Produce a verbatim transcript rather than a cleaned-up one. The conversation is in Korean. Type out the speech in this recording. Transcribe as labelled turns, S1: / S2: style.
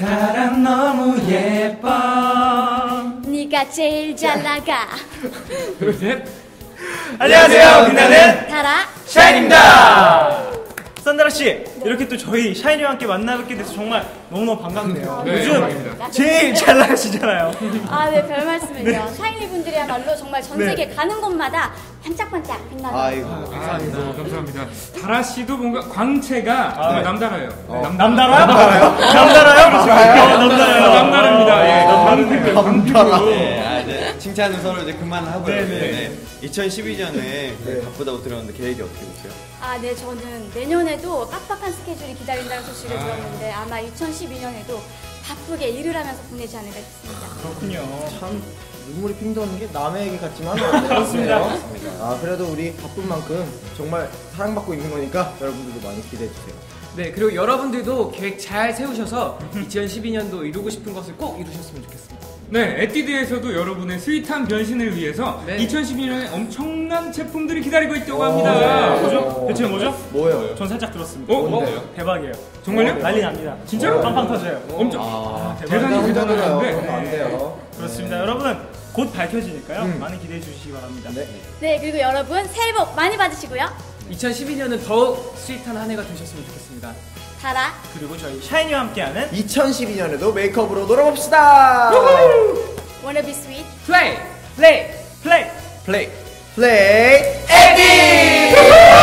S1: 사람 너무 예뻐.
S2: 네가 제일 잘 나가.
S1: 둘, 셋. 안녕하세요. 빛나는
S2: 타라
S1: 샤인입니다. 산다라씨, 이렇게 또 저희 샤이니와 함께 만나뵙게 돼서 정말 너무너무 반갑네요.
S3: 네,
S1: 요즘
S3: 반갑습니다.
S1: 제일 잘 나가시잖아요.
S2: 아, 네, 별 말씀을요. 샤이니 분들이야말로 정말 전
S1: 네.
S2: 세계 가는 곳마다 반짝반짝 빛나는.
S4: 아이고,
S3: 감사합니다. 감사합니다. 다라 씨도 뭔가 광채가
S1: 아,
S3: 정말
S1: 네.
S3: 남달라요.
S1: 어.
S3: 남,
S1: 남달아요? 남달아요? 남달아요? 남달아요.
S3: 남다릅니다. 예, 남다릅니다.
S4: 감사합니다.
S5: 네, 아, 이제 칭찬은 서로 이제 그만하고요.
S1: 네네.
S5: 네. 이천십이 년에 바쁘다고 들었는데 계획이 어떻게 되세요?
S2: 아, 네, 저는 내년에도 빡빡한 스케줄이 기다린다는 소식을 들었는데 아마 이천십이 년에도 바쁘게 일을 하면서 보내지 않을까 싶습니다.
S1: 그렇군요.
S4: 참 눈물이 핑 도는 게 남의 얘기 같지만 안
S1: 그렇습니다.
S4: 아, 그래도 우리 바쁜 만큼 정말 사랑받고 있는 거니까 여러분들도 많이 기대해 주세요.
S6: 네, 그리고 여러분들도 계획 잘 세우셔서 이천십이 년도 이루고 싶은 것을 꼭 이루셨으면 좋겠습니다.
S3: 네, 에뛰드에서도 여러분의 스윗한 변신을 위해서
S6: 네.
S3: 이천십이 년에 엄청난 제품들이 기다리고 있다고 합니다.
S1: 뭐죠? 대체 뭐죠?
S4: 뭐예요?
S1: 전 살짝 들었습니다.
S3: 어?
S4: 뭔데요?
S3: 어?
S1: 대박이에요.
S3: 정말요?
S1: 난리 납니다. 진짜로? 빵빵 터져요.
S3: 엄청
S1: 아,
S3: 대단히
S4: 혼자 들어요.
S3: 대단한데.
S4: 그러면 안 돼요.
S1: 그렇습니다. 여러분, 곧 밝혀지니까요.
S4: 음.
S1: 많이 기대해 주시기 바랍니다.
S4: 네.
S2: 네, 그리고 여러분 새해 복 많이 받으시고요.
S6: 이천십이 년은 더욱 스윗한 한 해가 되셨으면 좋겠습니다.
S2: 타라
S1: 그리고 저희 샤이니와 함께하는
S4: 이천십이 년에도 메이크업으로 놀아봅시다.
S2: Wanna be sweet.
S6: 플레이! 플레이!
S1: 플레이!
S4: 플레이. 플레이.
S1: 에디!